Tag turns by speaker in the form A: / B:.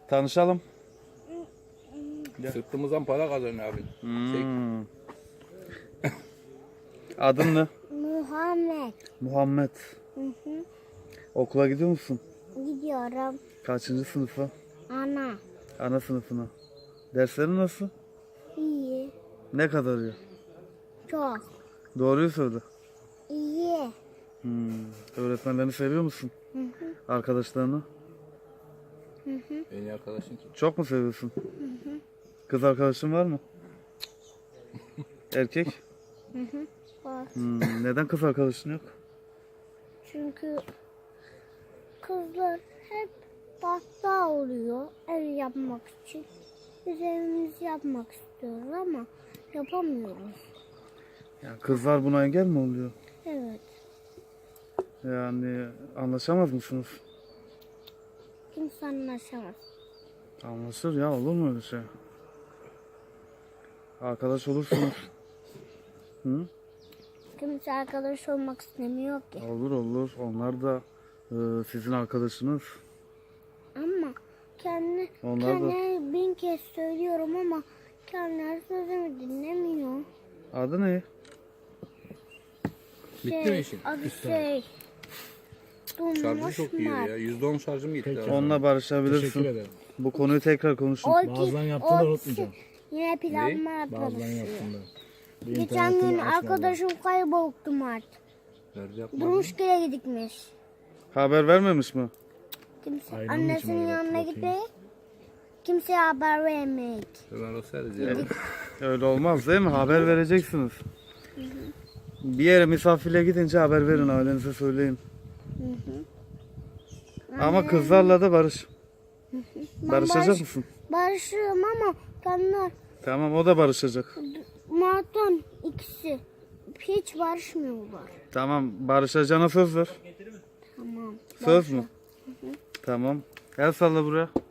A: Tanışalım.
B: Sırtımızdan para kazanıyor abi.
A: Adın ne?
C: Muhammed.
A: Muhammed.
C: Hı.
A: Okula gidiyor musun?
C: Gidiyorum.
A: Kaçıncı sınıfa?
C: Ana.
A: Ana sınıfına. Derslerin nasıl?
C: İyi.
A: Ne kadar iyi?
C: Çok.
A: Doğruyu söyle.
C: İyi.
A: Öğretmenlerini seviyor musun? Arkadaşlarını?
B: En iyi arkadaşın kim?
A: Çok mu seviyorsun? Kız arkadaşın var mı? Erkek?
C: Var.
A: Neden kız arkadaşın yok?
C: Çünkü kızlar hep hasta oluyor ev yapmak için. Biz evimizi yapmak istiyoruz ama yapamıyoruz.
A: Yani kızlar buna engel mi oluyor?
C: Evet.
A: Yani anlaşamaz mısınız?
C: Kimse anlaşamaz.
A: Anlaşır ya, olur mu öyle şey? Arkadaş olursunuz. Hı?
C: Kimse arkadaş olmak istemiyor ki.
A: Olur olur. Onlar da sizin arkadaşınız.
C: Ama
A: Onlar da-
C: kendine bin kez söylüyorum ama kendileri sözümü dinlemiyor.
A: Adı ne?
B: Bitti mi işin?
C: Adı şey.
B: Şarjı çok iyi
C: Mert.
B: ya. %10 şarjım gitti abi.
A: Onunla barışabilirsin.
D: Teşekkür ederim.
A: Bu konuyu tekrar konuşun.
D: Bazılarını yaptığını unutmayacağım.
C: Yine planlar
D: Bazılarını
C: yapıyoruz.
D: yaptığında. Bir
C: Geçen
D: internetini
C: gün
D: açmadan.
C: arkadaşım kayboldu Mert.
B: Nerede yapmadın?
C: Durmuşgil'e gitmiş.
A: Haber vermemiş mi?
C: Kimse
D: Aynen
C: annesinin
D: için öyle
C: yanına
D: bakayım.
C: gitti. Kimseye haber vermeyik.
B: Hemen o seriz ya.
A: Öyle olmaz değil mi? Haber vereceksiniz. Bir yere misafirliğe gidince haber verin, ailenize söyleyin. Ama kızlarla da barış. Barışacak mısın?
C: Barışırım ama kendiler
A: Tamam, o da barışacak.
C: Mert'ten ikisi hiç barışmıyorlar.
A: Tamam, barışacağına söz ver.
C: Tamam.
A: Söz mü? Tamam. El salla buraya.